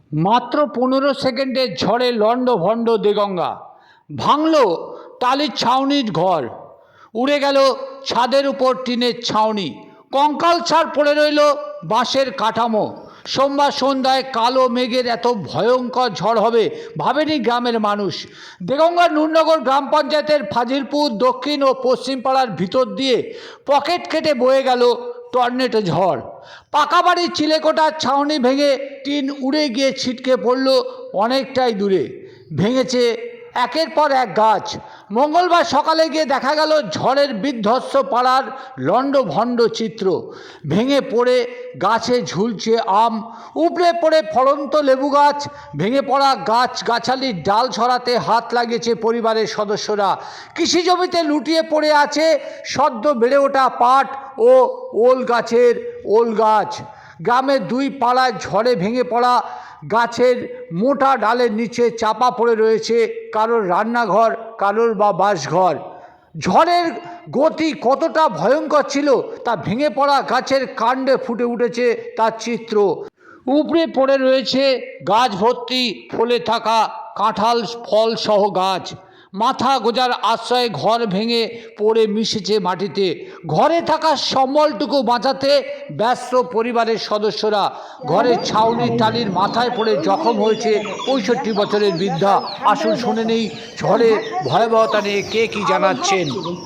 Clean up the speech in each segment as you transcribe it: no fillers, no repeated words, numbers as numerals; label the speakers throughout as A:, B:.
A: মাত্র 15 সেকেন্ডের ঝড়ে লণ্ডভণ্ড দেগঙ্গা, ভাঙল টালির ছাউনির ঘর, উড়ে গেল ছাদের উপর টিনের ছাউনি, কঙ্কালসার পড়ে রইল বাঁশের কাঠামো। সোমবার সন্ধ্যায় কালো মেঘের এত ভয়ঙ্কর ঝড় হবে ভাবেনি গ্রামের মানুষ। দেগঙ্গার নুরনগর গ্রাম পঞ্চায়েতের ফাজিলপুর দক্ষিণ ও পশ্চিম পাড়ার ভিতর দিয়ে পকেট কেটে বয়ে গেল টর্নেডো ঝড়। পাকা বাড়ির চিলেকোঠার ছাউনি ভেঙে টিন উড়ে গিয়ে ছিটকে পড়ল অনেকটাই দূরে। ভেঙেছে একের পর এক গাছ। মঙ্গলবার সকালে গিয়ে দেখা গেল ঝড়ের বিধ্বস্ত পাড়ার লণ্ডভণ্ড চিত্র। ভেঙে পড়ে গাছে ঝুলছে আম, উপড়ে পড়ে ফলন্ত লেবু গাছ। ভেঙে পড়া গাছ গাছালির ডাল ছড়াতে হাত লাগিয়েছে পরিবারের সদস্যরা। কৃষি জমিতে লুটিয়ে পড়ে আছে সদ্য বেড়ে ওঠা পাট ও ওল গাছের ওল গাছ। গ্রামের দুই পাড়ায় ঝড়ে ভেঙে পড়া গাছের মোটা ডালের নিচে চাপা পড়ে রয়েছে কারোর রান্নাঘর, কারোর বা বাসঘর। ঝড়ের গতি কতটা ভয়ঙ্কর ছিল তা ভেঙে পড়া গাছের কাণ্ডে ফুটে উঠেছে তার চিত্র। উপড়ে পড়ে রয়েছে গাছ ভর্তি ফলে থাকা কাঁঠাল ফল সহ গাছ। মাথা গোজার আশ্রয়ে ঘর ভেঙে পড়ে মিশেছে মাটিতে। ঘরে থাকা সম্বলটুকু বাঁচাতে ব্যস্ত পরিবারের সদস্যরা। ঘরের ছাউনির টালির মাথায় পড়ে জখম হয়েছে 65 বছরের বৃদ্ধা। আসুন শুনে নেই ঝড়ের ভয়াবহতা নিয়ে কে কি জানাচ্ছেন।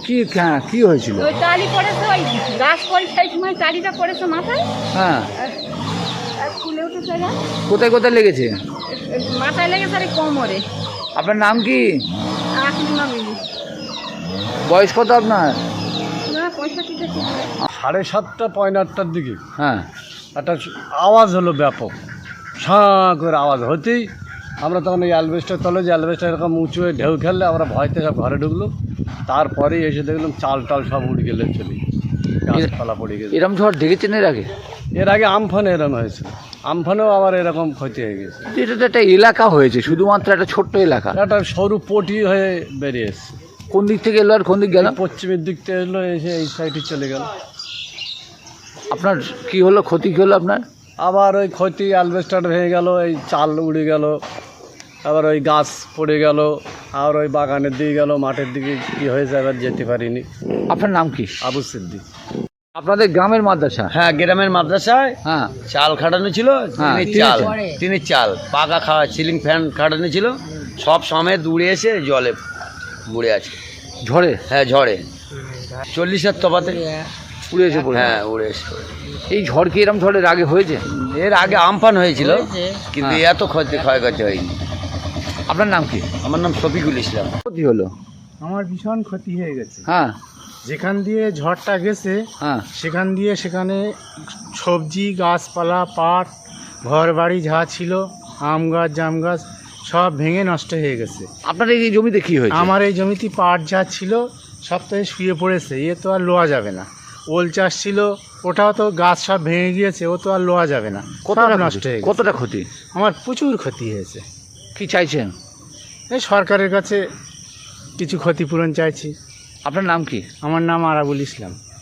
A: কি হয়েছিল?
B: ওই টালি পড়েছে, ওই গাছ পড়ে সেই সময় টালিটা পড়েছে মাথায়।
A: হ্যাঁ,
B: আর ফুলে উঠেছে না,
A: কোথায় কোথায় লেগেছে?
B: মাথায় লেগেছে আর এই কোমরে।
A: আপনার নাম কি?
B: আসলে না মিলি
A: বয়স কত আপনার?
B: না 65টা ছিল।
C: 7:30 পয়লা 8টার দিকে
A: হ্যাঁ,
C: একটা আওয়াজ হলো ব্যাপক, সাঁ করে আওয়াজ হতেই আমরা তখন এই অ্যালবেস্টার তলে, যে অ্যালবেস্টার এরকম উঁচু হয়ে ঢেউ খেললে আমরা ভয়তে সব ঘরে ঢুকলো। তারপরেই এসে দেখলাম চাল টাল সব উড়ে গেলে চলে, গাছপালা পড়ে গেছে।
A: এরম ঝড় দেখেছেন এর আগে?
C: এর আগে আমফানে এরকম হয়েছিল, আমফানেও আবার এরকম ক্ষতি হয়ে গেছে।
A: এটা তো একটা এলাকা হয়েছে, শুধুমাত্র একটা ছোট্ট এলাকা।
C: একটা সরু পটি হয়ে বেরিয়ে এসছে।
A: কোন দিক থেকে এলো আর কোন দিক গেল?
C: পশ্চিমের দিক থেকে এলো, এসে এই সাইডে চলে গেল।
A: আপনার কি হলো, ক্ষতি কি হলো আপনার?
C: আবার ওই ক্ষতি, অ্যালবেস্টার ভেঙে গেল, এই চাল উড়ে গেল, আবার ওই গাছ পড়ে গেল, আর ওই বাগানের দিকে গেল, মাঠের দিকে কি হয়েছে এবার যেতে পারিনি।
A: আপনার নাম কি?
C: আবু সিদ্দিক।
A: আপনাদের গ্রামের মাদ্রাসা?
D: হ্যাঁ, গ্রামের মাদ্রাসায়
A: হ্যাঁ,
D: চাল খাটানো ছিল,
A: হ্যাঁ,
D: টিনের চাল পাকা খাওয়া, সিলিং ফ্যান খাটানো ছিল, সব সমেত উড়ে এসে জলে পড়ে আছে।
A: ঝড়ে?
D: হ্যাঁ, ঝড়ে 40-এর তফাতে
A: উড়ে এসে পড়ে?
D: হ্যাঁ, উড়ে এসে।
A: এই ঝড় কি এরম ঝড়ের আগে হয়েছে?
D: এর আগে আমফান হয়েছিল, কিন্তু
A: হ্যাঁ।
D: এত ক্ষয়ক্ষতি হয়নি।
A: আপনার নাম কি?
D: আমার নাম শফিকুল ইসলাম।
A: ক্ষতি হলো?
E: আমার ভীষণ ক্ষতি হয়ে গেছে।
A: হ্যাঁ,
E: যেখান দিয়ে ঝড়টা গেছে
A: হ্যাঁ,
E: সেখানে সবজি গাছপালা, পাট, ঘর বাড়ি যা ছিল, আম গাছ জাম গাছ সব ভেঙে নষ্ট হয়ে গেছে।
A: আপনার এই জমিতে কি হয়েছে?
E: আমার এই জমিতে পাট যা ছিল সপ্তাহে শুয়ে পড়েছে, এ তো আর লোয়া যাবে না। ওল চাষ ছিল, ওটাও তো গাছ সব ভেঙে গিয়েছে, ও তো আর লোয়া যাবে না,
A: কতটা
E: সব নষ্ট
A: নষ্ট?
E: হয়ে গেছে।
A: কতটা ক্ষতি?
E: আমার প্রচুর ক্ষতি হয়েছে।
A: কি চাইছেন?
E: এই সরকারের কাছে কিছু ক্ষতিপূরণ চাইছি।
A: আপনার নাম কি?
E: আমার নাম আরাবুল ইসলাম।